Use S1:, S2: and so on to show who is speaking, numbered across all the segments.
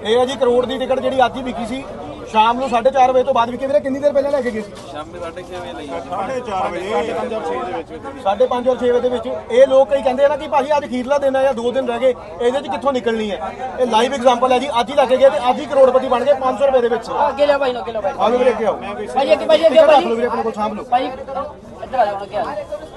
S1: ਇਹ ਹੈ ਜੀ ਕਰੋੜ ਦੀ ਟਿਕਟ ਜਿਹੜੀ ਅੱਜ ਹੀ ਵਿਕੀ ਸੀ शाम ਨੂੰ 4:30 ਵਜੇ ਤੋਂ ਬਾਅਦ ਵਿਕੀ। ਵੀਰੇ ਕਿੰਨੀ ਦੇਰ ਪਹਿਲਾਂ ਲੈ ਕੇ ਗਏ ਸੀ?
S2: ਸ਼ਾਮੀ 6:30 ਵਜੇ ਲਈ
S1: 4:30 ਵਜੇ 5:30 ਔਰ 6 ਦੇ ਵਿੱਚ 5:30 ਔਰ 6 ਵਜੇ ਦੇ ਵਿੱਚ ਇਹ ਲੋਕ ਕਈ ਕਹਿੰਦੇ ਆ ਨਾ ਕਿ ਭਾਜੀ ਅੱਜ ਅਖੀਰਲਾ ਦਿਨ ਹੈ ਜਾਂ 2 ਦਿਨ ਰਹਿ ਗਏ, ਇਹਦੇ 'ਚ ਕਿੱਥੋਂ ਨਿਕਲਣੀ ਹੈ। ਇਹ ਲਾਈਵ ਐਗਜ਼ਾਮਪਲ ਹੈ ਜੀ, ਅੱਜ ਹੀ ਲੈ ਕੇ ਗਏ ਤੇ ਅੱਜ ਹੀ ਕਰੋੜਪਤੀ ਬਣ ਗਏ 500 ਰੁਪਏ ਦੇ ਵਿੱਚ।
S3: ਅੱਗੇ ਲਿਆ ਭਾਈ ਨੂੰ, ਅੱਗੇ ਲਿਆ ਭਾਈ
S1: ਆਓ ਵੀਰੇ ਅੱਗੇ ਆਓ
S3: ਭਾਈ, ਅੱਗੇ ਭਾਈ, ਅੱਗੇ ਭਾਈ
S1: ਵੀਰੇ ਆਪਣੇ ਕੋਲ ਸਾਂਭ ਲਓ
S3: ਭਾਈ ਇੱਧਰ ਆ ਜਾਓ, ਅੱਗੇ ਆ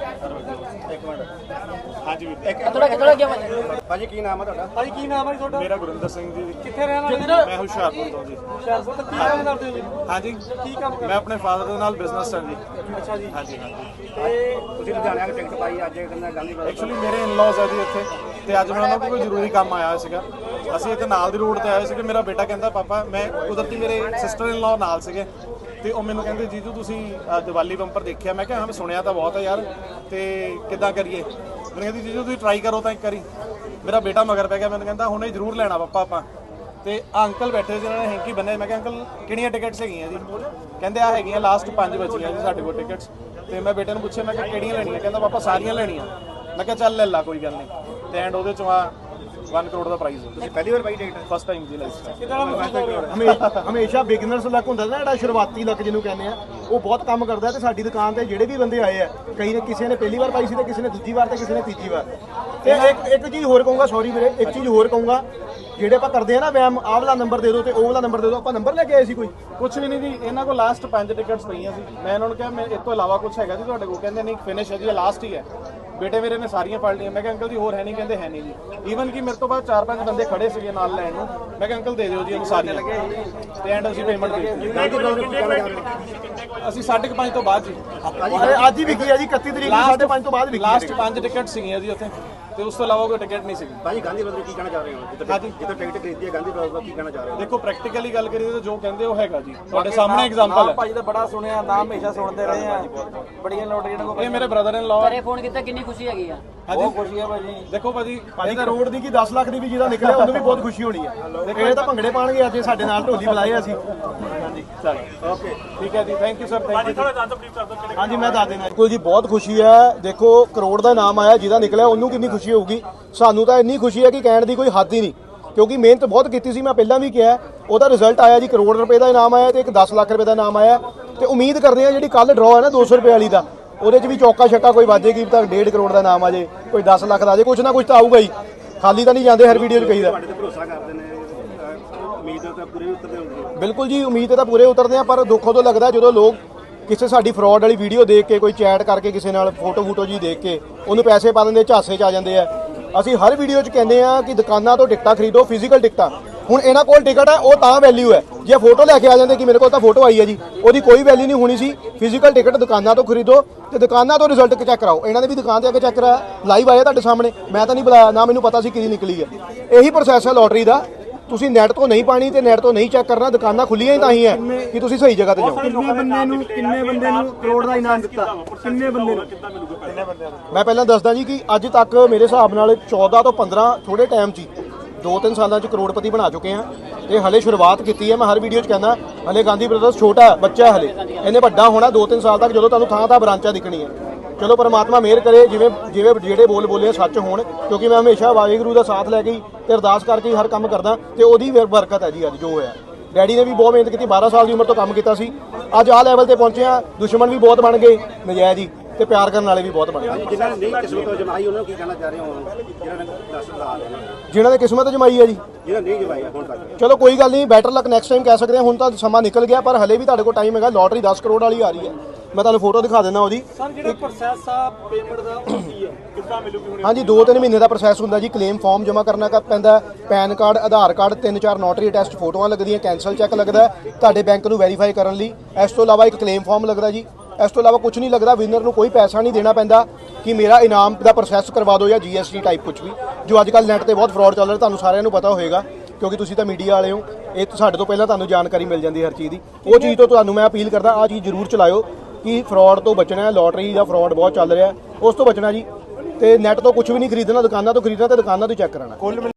S1: ਹਾਂਜੀ
S3: ਥੋੜਾ ਅੱਗੇ ਭਾਈ।
S1: ਭਾਜੀ ਕੀ ਨਾਮ ਹੈ ਤੁਹਾਡਾ?
S4: ਭਾਜੀ ਕੀ ਨਾਮ ਹੈ ਤੁਹਾਡਾ?
S5: ਮੇਰਾ ਗੁਰਿੰਦਰ ਸਿੰਘ ਜੀ।
S4: ਕਿੱਥੇ ਰਹਿਣ ਵਾਲੇ?
S5: ਮੈਂ ਹੁਸ਼ਿਆਰਪੁਰ ਤੋਂ ਜੀ।
S4: ਹੁਸ਼ਿਆਰਪੁਰ ਤੋਂ ਕੀ ਕੰਮ ਕਰਦੇ ਹੋ ਜੀ?
S5: ਹਾਂਜੀ
S4: ਕੀ ਕੰਮ ਕਰਦੇ?
S5: ਮੈਂ ਆਪਣੇ ਫਾਦਰ ਦੇ ਨਾਲ ਬਿਜ਼ਨਸ ਹਾਂ ਜੀ।
S4: ਅੱਛਾ ਜੀ।
S5: ਹਾਂਜੀ ਹਾਂਜੀ।
S4: ਤੇ
S1: ਤੁਸੀਂ ਲੁਧਿਆਣੇ ਆ ਕੇ ਟਿਕਟ ਪਾਈ ਅੱਜ ਕਹਿੰਦਾ ਗਾਂਧੀ
S5: ਐਕਚੁਅਲੀ ਮੇਰੇ ਇਨ-ਲॉज ਹੈ ਜੀ ਇੱਥੇ, ਤੇ ਅੱਜ ਮੈਂ ਉਹਨਾਂ ਕੋਲ ਕੋਈ ਜ਼ਰੂਰੀ ਕੰਮ ਆਇਆ ਸੀਗਾ। ਅਸੀਂ ਇੱਥੇ ਨਾਲ ਦੀ ਰੋਡ ਤੇ ਆਏ ਸੀਗੇ। ਮੇਰਾ ਬੇਟਾ ਕਹਿੰਦਾ ਪਾਪਾ, ਮੈਂ ਕੁਦਰਤੀ ਮੇਰੇ ਸਿਸਟਰ ਇਨ-ਲॉ ਨਾਲ ਸੀਗੇ ਤੇ ਉਹ ਮੈਨੂੰ ਕਹਿੰਦੇ ਜੀਜੂ ਤੁਸੀਂ ਦੀਵਾਲੀ ਬੰਪਰ ਦੇਖਿਆ? ਮੈਂ ਕਿਹਾ ਹਾਂ ਮੈਂ ਸੁਣਿਆ ਤਾਂ ਬਹੁਤ ਹੈ ਯਾਰ, ਤੇ ਕਿੱਦਾਂ ਕਰੀਏ? ਮੈਨੂੰ ਕਹਿੰਦੀ ਜੀਜੂ ਤੁਸੀਂ ਟਰਾਈ ਕਰੋ ਤਾਂ ਇੱਕ ਵਾਰੀ। ਮੇਰਾ ਬੇਟਾ ਮਗਰ ਪੈ ਗਿਆ, ਮੈਨੂੰ ਕਹਿੰਦਾ ਹੁਣੇ ਜ਼ਰੂਰ ਲੈਣਾ ਪਾਪਾ ਆਪਾਂ। ਤੇ ਅੰਕਲ ਬੈਠੇ ਸੀ, ਉਹਨਾਂ ਨੇ ਹੈਂਕੀ ਬੰਨੇ। ਮੈਂ ਕਿਹਾ ਅੰਕਲ ਕਿਹੜੀਆਂ ਟਿਕਟਸ ਹੈਗੀਆਂ ਜੀ? ਕਹਿੰਦੇ ਆ ਹੈਗੀਆਂ ਲਾਸਟ 5 ਬਚੀਆਂ ਜੀ ਸਾਡੇ ਕੋਲ ਟਿਕਟਸ। ਤੇ ਮੈਂ ਬੇਟੇ ਨੂੰ ਪੁੱਛਿਆ, ਮੈਂ ਕਿਹਾ ਕਿਹੜੀਆਂ ਲੈਣੀਆਂ? ਕਹਿੰਦਾ ਪਾਪਾ ਸਾਰੀਆਂ ਲੈਣੀਆਂ। ਮੈਂ ਕਿਹਾ ਚੱਲ ਲੈ ਲਾ ਕੋਈ ਗੱਲ ਨਹੀਂ। ਤੇ ਐਂਡ ਉਹਦੇ ਚੋਂ ਆ 1 ਕਰੋੜ ਦਾ ਪ੍ਰਾਈਜ਼। ਤੁਸੀਂ
S1: ਪਹਿਲੀ ਵਾਰ ਪਾਈ ਟਿਕਟ?
S5: ਫਸਟ ਟਾਈਮ ਜੀ ਲਾਈਫ
S1: ਹਮੇਸ਼ਾ ਬਿਗਨਰਸ ਲੱਕ ਹੁੰਦਾ ਨਾ, ਜਿਹੜਾ ਸ਼ੁਰੂਆਤੀ ਲੱਕ ਜਿਹਨੂੰ ਕਹਿੰਦੇ ਆ, ਉਹ ਬਹੁਤ ਕੰਮ ਕਰਦਾ। ਤੇ ਸਾਡੀ ਦੁਕਾਨ ਤੇ ਜਿਹੜੇ ਵੀ ਬੰਦੇ ਆਏ ਆ, ਕਈ ਨੇ ਕਿਸੇ ਨੇ ਪਹਿਲੀ ਵਾਰ ਪਾਈ ਸੀ ਤੇ ਕਿਸੇ ਨੇ ਦੂਜੀ ਵਾਰ ਤੇ ਕਿਸੇ ਨੇ ਤੀਜੀ ਵਾਰ। ਤੇ ਇੱਕ ਚੀਜ਼ ਹੋਰ ਕਹੂੰਗਾ, ਸੌਰੀ ਵੀਰੇ, ਇੱਕ ਚੀਜ਼ ਹੋਰ ਕਹੂੰਗਾ, ਜਿਹੜੇ ਆਪਾਂ ਕਰਦੇ ਆ ਨਾ ਵੈਮ, ਆਹ ਵਾਲਾ ਨੰਬਰ ਦੇ ਦਿਓ ਤੇ ਉਹ ਵਾਲਾ ਨੰਬਰ ਦੇ ਦਿਓ, ਆਪਾਂ ਨੰਬਰ ਲੈ ਕੇ ਆਏ ਸੀ ਕੋਈ?
S5: ਕੁਝ ਵੀ ਨਹੀਂ ਜੀ। ਇਹਨਾਂ ਕੋਲ ਲਾਸਟ 5 ਟਿਕਟਸ ਪਈਆਂ ਸੀ। ਮੈਂ ਇਹਨਾਂ ਨੂੰ ਕਿਹਾ ਮੈਂ ਇਸ ਤੋਂ ਇਲਾਵਾ ਕੁਝ ਹੈਗਾ ਜੀ ਤੁਹਾਡੇ ਕੋਲ? ਕਹਿੰਦੇ ਨਹੀਂ ਫਿਨਿਸ਼ ਹੈ ਜੀ, ਇਹ ਲਾਸਟ ਹੀ ਹੈ। ਬੇਟੇ ਮੇਰੇ ਨੇ ਸਾਰੀਆਂ ਫੜ ਲਈਆਂ। ਮੈਂ ਕਿਹਾ ਅੰਕਲ ਜੀ ਹੋਰ ਹੈ ਨਹੀਂ? ਕਹਿੰਦੇ ਹੈ ਨਹੀਂ ਜੀ। ਈਵਨ ਕਿ ਮੇਰੇ ਤੋਂ ਬਾਅਦ 4-5 ਬੰਦੇ ਖੜੇ ਸੀਗੇ ਨਾਲ ਲੈਣ ਨੂੰ। ਮੈਂ ਕਿਹਾ ਅੰਕਲ ਦੇ ਦਿਓ ਜੀ ਇਹਨੂੰ ਸਾਰੀਆਂ, ਤੇ ਐਂਡ ਅਸੀਂ ਪੇਮੈਂਟ ਦੇ ਦਿੱਤੀ। ਅਸੀਂ 5:30 ਤੋਂ ਬਾਅਦ ਜੀ।
S1: ਅੱਜ ਹੀ ਵਿਕੀ ਹੈ ਜੀ, 31 ਤਰੀਕ ਨੂੰ 5:30 ਤੋਂ ਬਾਅਦ ਵਿਕੀ।
S5: ਲਾਸਟ 5 ਟਿਕਟ ਸੀਗੀਆਂ ਜੀ ਉੱਥੇ, ਤੇ ਉਸ ਤੋਂ ਇਲਾਵਾ ਕੋਈ ਟਿਕਟ ਨਹੀਂ ਸੀਗੀ।
S1: ਭਾਜੀ ਗਾਂਧੀ ਬ੍ਰਦਰ ਕੀ ਕਹਿਣਾ ਚਾਹ ਰਹੇ ਹੋ? ਜਿੱਥੇ ਟਿਕਟ ਖਰੀਦੀ ਹੈ ਗਾਂਧੀ ਬ੍ਰਦਰ ਕੀ ਕਹਿਣਾ ਚਾਹ ਰਹੇ ਹੋ?
S5: ਦੇਖੋ ਪ੍ਰੈਕਟੀਕਲੀ ਗੱਲ ਕਰੀਏ ਤਾਂ ਜੋ ਕਹਿੰਦੇ ਉਹ ਹੈਗਾ ਜੀ, ਤੁਹਾਡੇ ਸਾਹਮਣੇ ਐਗਜ਼ਾਮਪਲ ਹੈ।
S4: ਭਾਜੀ ਦਾ ਬੜਾ ਸੁਣਿਆ ਨਾਮ, ਹਮੇਸ਼ਾ ਸੁਣਦੇ ਰਹੇ ਆ। ਬੜੀਆਂ ਲੋਟਰੀਆਂ ਨੂੰ
S5: ਇਹ ਮੇਰੇ ਬ੍ਰਦਰ ਇਨ ਲਾਅ।
S3: ਘਰੇ ਫੋਨ ਕੀਤਾ, ਕਿੰਨੀ ਖੁਸ਼ੀ ਹੈਗੀ ਆ?
S4: ਬਹੁਤ ਖੁਸ਼ੀ ਹੈ ਭਾਜੀ।
S5: ਦੇਖੋ ਭਾਜੀ
S1: ਕਰੋੜ ਦੀ ਕੀ 10 ਲੱਖ ਦੀ ਵੀ ਜਿਹਦਾ ਨਿਕਲਿਆ ਉਹਨੂੰ ਵੀ ਬਹੁਤ ਖੁਸ਼ੀ ਹੋਣੀ ਹੈ। ਇਹ ਤਾਂ ਭੰਗੜੇ ਪਾਣਗੇ ਅੱਜ ਸਾਡੇ ਨਾਲ, ਢੋਲੀ ਬੁਲਾਏ ਅਸੀਂ। ਹਾਂਜੀ
S5: ਚਲੋ ਓਕੇ ਠੀਕ ਹੈ ਜੀ, thank you sir, thank you.
S1: ਹਾਂਜੀ ਮੈਂ ਦੱਸ ਦੇਣਾ। ਬਿਲਕੁਲ ਜੀ, ਬਹੁਤ ਖੁਸ਼ੀ ਹੈ। ਦੇਖੋ ਕਰੋੜ ਦਾ ਨਾਮ ਆਇਆ, ਜਿਹਦਾ ਨਿਕਲਿਆ ਉਹਨੂੰ ਕਿੰਨੀ ਖੁਸ਼ੀ ਹੋਊਗੀ। ਸਾਨੂੰ ਤਾਂ ਇੰਨੀ ਖੁਸ਼ੀ ਹੈ ਕਿ ਕਹਿਣ ਦੀ ਕੋਈ ਹੱਦ ਹੀ ਨਹੀਂ, ਕਿਉਂਕਿ ਮਿਹਨਤ ਬਹੁਤ ਕੀਤੀ ਸੀ। ਮੈਂ ਪਹਿਲਾਂ ਵੀ ਕਿਹਾ, ਉਹਦਾ ਰਿਜ਼ਲਟ ਆਇਆ ਜੀ। ਕਰੋੜ ਰੁਪਏ ਦਾ ਇਨਾਮ ਆਇਆ ਤੇ ਇੱਕ 10 ਲੱਖ ਰੁਪਏ ਦਾ ਇਨਾਮ ਆਇਆ। ਤੇ ਉਮੀਦ ਕਰਦੇ ਹਾਂ ਜਿਹੜੀ ਕੱਲ ਡਰਾਅ ਹੈ ਨਾ 200 ਰੁਪਏ ਵਾਲੀ ਦਾ, ਉਹਦੇ 'ਚ ਵੀ ਚੌਕਾ ਛੱਕਾ ਕੋਈ ਵਾਜੇਗੀ ਤਾਂ 1.5 ਕਰੋੜ ਦਾ ਇਨਾਮ ਆ ਜੇ, ਕੋਈ 10 ਲੱਖ ਦਾ ਆ ਜੇ, ਕੁਛ ਨਾ ਕੁਛ ਤਾਂ ਆਊਗਾ ਹੀ। ਖਾਲੀ ਤਾਂ ਨਹੀਂ ਜਾਂਦੇ ਹਰ ਵੀਡੀਓ 'ਚ ਕਹੀਦਾ।
S4: ਭਰੋਸਾ ਕਰਦੇ ਨੇ, ਉਮੀਦ ਤਾਂ ਪੂਰੇ ਉਤਰਦੇ ਹੁੰਦੇ।
S1: ਬਿਲਕੁਲ ਜੀ, ਉਮੀਦ ਤਾਂ ਪੂਰੇ ਉਤਰਦੇ ਆ, ਪਰ ਦੁੱਖ ਉਦੋਂ ਲੱਗਦਾ ਜਦੋਂ ਲੋਕ ਕਿਸੇ ਸਾਡੀ ਫਰਾਡ ਵਾਲੀ ਵੀਡੀਓ ਦੇਖ ਕੇ, ਕੋਈ ਚੈਟ ਕਰਕੇ ਕਿਸੇ ਨਾਲ ਫੋਟੋ ਜੀ ਦੇਖ ਕੇ ਉਹਨੂੰ ਪੈਸੇ ਪਾ ਦਿੰਦੇ, ਝਾਸੇ 'ਚ ਆ ਜਾਂਦੇ ਆ। ਅਸੀਂ ਹਰ ਵੀਡੀਓ 'ਚ ਕਹਿੰਦੇ ਆ ਕਿ ਦੁਕਾਨਾਂ ਤੋਂ ਟਿਕਟਾਂ ਖਰੀਦੋ, ਫਿਜ਼ੀਕਲ ਟਿਕਟਾਂ। ਹੁਣ ਇਹਨਾਂ ਕੋਲ ਟਿਕਟ ਹੈ, ਉਹ ਤਾਂ ਵੈਲਿਊ ਹੈ। ਜੇ ਫੋਟੋ ਲੈ ਕੇ ਆ ਜਾਂਦੇ ਕਿ ਮੇਰੇ ਕੋਲ ਤਾਂ ਫੋਟੋ ਆਈ ਹੈ ਜੀ, ਉਹਦੀ ਕੋਈ ਵੈਲਿਊ ਨਹੀਂ ਹੋਣੀ ਸੀ। ਫਿਜ਼ੀਕਲ ਟਿਕਟ ਦੁਕਾਨਾਂ ਤੋਂ ਖਰੀਦੋ ਤੇ ਦੁਕਾਨਾਂ ਤੋਂ ਰਿਜ਼ਲਟ ਚੈੱਕ ਕਰਾਓ। ਇਹਨਾਂ ਨੇ ਵੀ ਦੁਕਾਨ ਤੇ ਆ ਕੇ ਚੈੱਕ ਕਰਾਇਆ, ਲਾਈਵ ਆਇਆ ਤੁਹਾਡੇ ਸਾਹਮਣੇ। ਮੈਂ ਤਾਂ ਨਹੀਂ ਬੁਲਾਇਆ, ਨਾ ਮੈਨੂੰ ਪਤਾ ਸੀ ਕਿਹਦੀ ਨਿਕਲੀ ਹੈ। ਇਹੀ ਪ੍ਰੋਸੈਸ ਹੈ ਲੋਟਰੀ ਦਾ। ਤੁਸੀਂ ਨੈਟ ਤੋਂ ਨਹੀਂ ਪਾਣੀ ਤੇ ਨੈਟ ਤੋਂ ਨਹੀਂ ਚੈੱਕ ਕਰਨਾ। ਦੁਕਾਨਾਂ ਖੁੱਲੀਆਂ ਹੀ ਤਾਂ ਹੀ ਹੈ ਕਿ ਤੁਸੀਂ ਸਹੀ ਜਗ੍ਹਾ ਤੇ ਜਾਓ।
S4: ਕਿੰਨੇ ਬੰਦੇ ਨੂੰ ਕਰੋੜ ਦਾ ਇਨਾਮ ਦਿੱਤਾ? ਕਿੰਨੇ ਬੰਦੇ ਨੂੰ?
S1: ਮੈਂ ਪਹਿਲਾਂ ਦੱਸਦਾ ਜੀ ਕਿ ਅੱਜ ਤੱਕ ਮੇਰੇ ਹਿਸਾਬ ਨਾਲ 14 ਤੋਂ 15 ਥੋੜੇ ਟਾਈਮ 'ਚ 2-3 ਸਾਲਾਂ 'ਚ ਕਰੋੜਪਤੀ ਬਣਾ ਚੁੱਕੇ ਆ। ਤੇ ਹਲੇ ਸ਼ੁਰੂਆਤ ਕੀਤੀ ਹੈ। ਮੈਂ ਹਰ ਵੀਡੀਓ 'ਚ ਕਹਿੰਦਾ ਹਲੇ ਗਾਂਧੀ ਬ੍ਰਦਰਸ ਛੋਟਾ ਹੈ, ਬੱਚਾ ਹੈ ਹਲੇ। ਇਹਨੇ ਵੱਡਾ ਹੋਣਾ 2-3 ਸਾਲ ਤੱਕ, ਜਦੋਂ ਤੁਹਾਨੂੰ ਥਾਂ ਬ੍ਰਾਂਚਾਂ ਦਿਖਣੀ ਹੈ। ਚਲੋ ਪਰਮਾਤਮਾ ਮਿਹਰ ਕਰੇ, ਜਿਵੇਂ ਜਿਹੜੇ ਬੋਲੇ ਸੱਚ ਹੋਣ, ਕਿਉਂਕਿ ਮੈਂ ਹਮੇਸ਼ਾ ਵਾਹਿਗੁਰੂ ਦਾ ਸਾਥ ਲੈ ਕੇ ਤੇ ਅਰਦਾਸ ਕਰਕੇ ਹੀ ਹਰ ਕੰਮ ਕਰਦਾ, ਤੇ ਉਹਦੀ ਬਰਕਤ ਹੈ ਜੀ ਅੱਜ ਜੋ ਹੋਇਆ। ਡੈਡੀ ਨੇ ਵੀ ਬਹੁਤ ਮਿਹਨਤ ਕੀਤੀ, 12 ਸਾਲ ਦੀ ਉਮਰ ਤੋਂ ਕੰਮ ਕੀਤਾ ਸੀ। ਅੱਜ ਆਹ ਲੈਵਲ ਤੇ ਪਹੁੰਚੇ ਆ। ਦੁਸ਼ਮਣ ਵੀ ਬਹੁਤ ਬਣ ਗਏ ਨਜਾਇਜ਼ ਹੀ, ਤੇ ਪਿਆਰ ਕਰਨ ਵਾਲੇ ਵੀ ਬਹੁਤ ਬਣ ਗਏ।
S4: ਜਿਨ੍ਹਾਂ ਨੇ ਨਹੀਂ ਕਿਸਮਤ ਜਮਾਈ ਉਹਨਾਂ ਨੂੰ ਕੀ ਕਹਿਣਾ ਚਾਹ ਰਹੇ ਹੋ?
S1: ਜਿਨ੍ਹਾਂ ਨੇ ਕਿਸਮਤ ਜਮਾਈ ਹੈ ਜੀ,
S4: ਜਿਹਨਾਂ ਨਹੀਂ ਜਮਾਈ ਹੁਣ ਤੱਕ,
S1: ਚਲੋ ਕੋਈ ਗੱਲ ਨਹੀਂ, ਬੈਟਰ ਲੱਕ ਨੈਕਸਟ ਟਾਈਮ ਕਹਿ ਸਕਦੇ ਹਾਂ। ਹੁਣ ਤਾਂ ਸਮਾਂ ਨਿਕਲ ਗਿਆ, ਪਰ ਹਲੇ ਵੀ ਤੁਹਾਡੇ ਕੋਲ ਟਾਈਮ ਹੈਗਾ। ਲੋਟਰੀ 10 ਕਰੋੜ ਵਾਲੀ ਆ ਰਹੀ ਹੈ, ਮੈਂ ਤੁਹਾਨੂੰ ਫੋਟੋ ਦਿਖਾ ਦਿੰਦਾ ਉਹਦੀ।
S4: ਸਰ ਜਿਹੜਾ ਪ੍ਰੋਸੈਸ ਆ ਪੇਮੈਂਟ ਦਾ ਉਹ ਕੀ ਹੈ, ਕਿੱਦਾਂ ਮਿਲੂਗੀ ਹੁਣ?
S1: ਹਾਂਜੀ 2-3 ਮਹੀਨੇ ਦਾ ਪ੍ਰੋਸੈਸ ਹੁੰਦਾ ਜੀ। ਕਲੇਮ ਫਾਰਮ ਜਮ੍ਹਾਂ ਕਰਨਾ ਪੈਂਦਾ, PAN card, Aadhaar card, 3-4 notary attest ਫੋਟੋਆਂ ਲੱਗਦੀਆਂ, ਕੈਂਸਲ ਚੈੱਕ ਲੱਗਦਾ ਤੁਹਾਡੇ ਬੈਂਕ ਨੂੰ ਵੈਰੀਫਾਈ ਕਰਨ ਲਈ। ਇਸ ਤੋਂ ਇਲਾਵਾ ਇੱਕ ਕਲੇਮ ਫਾਰਮ ਲੱਗਦਾ ਜੀ। ਇਸ ਤੋਂ ਇਲਾਵਾ ਕੁਝ ਨਹੀਂ ਲੱਗਦਾ। ਵਿਨਰ ਨੂੰ ਕੋਈ ਪੈਸਾ ਨਹੀਂ ਦੇਣਾ ਪੈਂਦਾ ਕਿ ਮੇਰਾ ਇਨਾਮ ਦਾ ਪ੍ਰੋਸੈਸ ਕਰਵਾ ਦਿਓ ਜਾਂ GST ਟਾਈਪ ਕੁਝ ਵੀ, ਜੋ ਅੱਜ ਕੱਲ੍ਹ ਨੈੱਟ ਤੇ ਬਹੁਤ ਫਰਾਡ ਚੱਲ ਰਿਹਾ। ਤੁਹਾਨੂੰ ਸਾਰਿਆਂ ਨੂੰ ਪਤਾ ਹੋਏਗਾ ਕਿਉਂਕਿ ਤੁਸੀਂ ਤਾਂ ਮੀਡੀਆ ਵਾਲੇ ਹੋ। ਇਹ ਸਾਡੇ ਤੋਂ ਪਹਿਲਾਂ ਤੁਹਾਨੂੰ ਜਾਣਕਾਰੀ ਮਿਲ ਜਾਂਦੀ ਹਰ ਚੀਜ਼ ਦੀ। ਉਹ ਚੀਜ਼ ਤੋਂ ਤੁਹਾਨੂੰ ਮੈਂ ਅਪੀਲ ਕਰਦਾ, ਆਹ ਚੀਜ਼ ਜ਼ਰੂਰ ਚਲਾਇਓ ਕਿ ਫਰਾਡ ਤੋਂ ਬਚਣਾ ਹੈ। ਲੋਟਰੀ ਦਾ ਫਰਾਡ ਬਹੁਤ ਚੱਲ ਰਿਹਾ, ਉਸ ਤੋਂ ਬਚਣਾ ਜੀ। ਤੇ ਨੈੱਟ ਤੋਂ ਕੁਝ ਵੀ ਨਹੀਂ ਖਰੀਦਣਾ, ਦੁਕਾਨਾਂ ਤੋਂ ਖਰੀਦਣਾ ਤੇ ਦੁਕਾਨਾਂ ਤੋਂ ਚੈੱਕ ਕਰਾਉਣਾ।